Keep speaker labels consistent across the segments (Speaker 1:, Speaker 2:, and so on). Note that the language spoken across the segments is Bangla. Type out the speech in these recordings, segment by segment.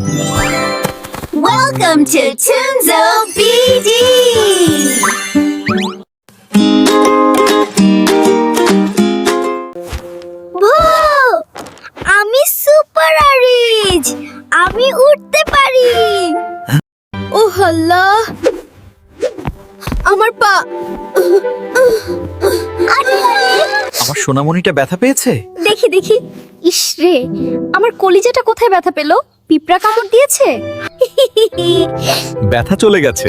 Speaker 1: Welcome to Tunzo BD! আমি সুপার আরিজ, আমি উঠতে পারি। ও আল্লাহ, আমার পা।
Speaker 2: আমার সোনামণিটা ব্যথা পেয়েছে।
Speaker 1: দেখি দেখি। ইসরে, আমার কলিজাটা কোথায় ব্যথা পেলো? পিঁপড়া কামড় দিয়েছে?
Speaker 2: ব্যথা চলে গেছে।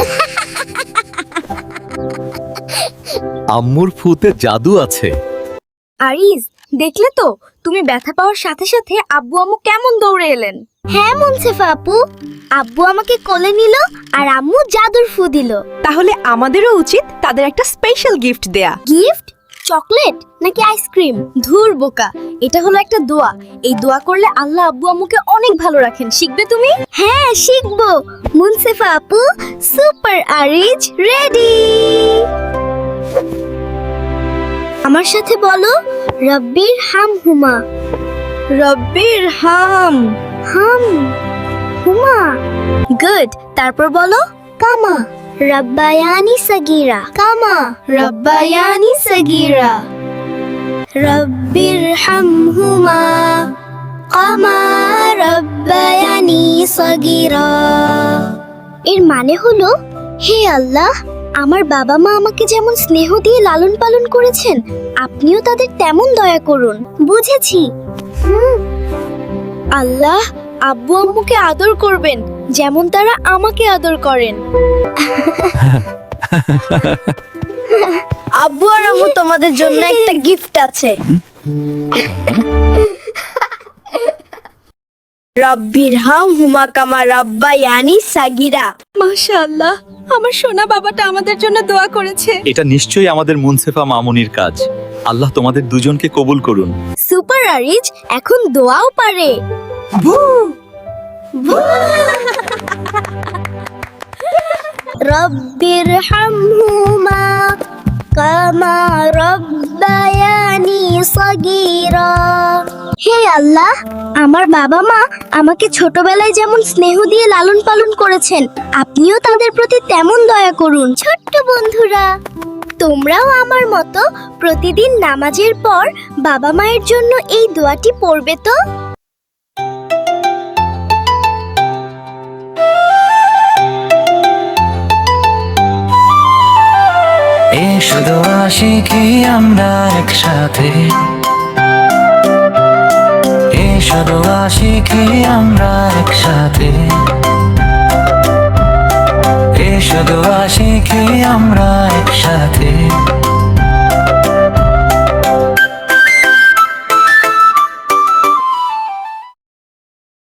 Speaker 2: আম্মুর ফুতে জাদু আছে।
Speaker 1: আরিজ, দেখলে তো তুমি ব্যথা পাওয়ার সাথে সাথে আব্বু আম্মু কেমন দৌড়ে এলেন। হ্যাঁ মুনসেফা আপু, আব্বু আমাকে কোলে নিল আর আম্মু জাদুর ফু দিল।
Speaker 3: তাহলে আমাদেরও উচিত তাদের একটা স্পেশাল গিফট দেয়া।
Speaker 1: গিফট? চকলেট নাকি আইসক্রিম? ধুর বোকা, এটা হলো একটা দোয়া। এই দোয়া করলে আল্লাহ আব্বু আম্মুকে অনেক ভালো রাখেন। শিখবে তুমি? হ্যাঁ শিখবো। মুনসেফা আপু, সুপার আরিজ রেডি। আমার সাথে বলো, রব্বির হামহুমা।
Speaker 3: রব্বির হাম
Speaker 1: হাম হুমা। গুড। তারপর বলো, কামা রব্বায়ানি সগীরা। কামা রব্বায়ানি সগীরা। রব্বির হামহুমা কামা রব্বায়ানি সগীরা। এর মানে হলো, হে আল্লাহ, আমার বাবা মা আমাকে যেমন স্নেহ দিয়ে লালন পালন করেছেন, আপনিও তাদের তেমন দয়া করুন। বুঝেছি। আল্লাহ, আব্বু আম্মুকে আদর করবেন যেমন তারা আমাকে আদর করেন। আব্বু আর আম্মু, তোমাদের জন্য একটা গিফট আছে। রব্বির হামহুমা কামা রব্বায়ানি সাগীরা।
Speaker 3: মাশাআল্লাহ, আমার সোনা বাবাটা আমাদের জন্য দোয়া করেছে।
Speaker 2: এটা নিশ্চয়ই আমাদের মুনসেফা মামুনির কাজ। আল্লাহ তোমাদের দুজনকে কবুল করুন।
Speaker 1: সুপার আরিজ এখন দোয়াও পারে। রব্বির হামহুমা কামা রব্বায়ানি সগীরা। হে আল্লাহ, আমার বাবা মা আমাকে ছোটবেলায় যেমন স্নেহ দিয়ে লালন পালন করেছেন, আপনিও তাদের প্রতি তেমন দয়া করুন। ছোট্ট বন্ধুরা, তোমরাও আমার মতো প্রতিদিন নামাজের পর বাবা মায়ের জন্য এই দোয়াটি পড়বে তো।
Speaker 4: এসো দোয়া শিখি আমরা একসাথে, এসো দোয়া শিখি আমরা একসাথে, এসো দোয়া শিখি আমরা একসাথে।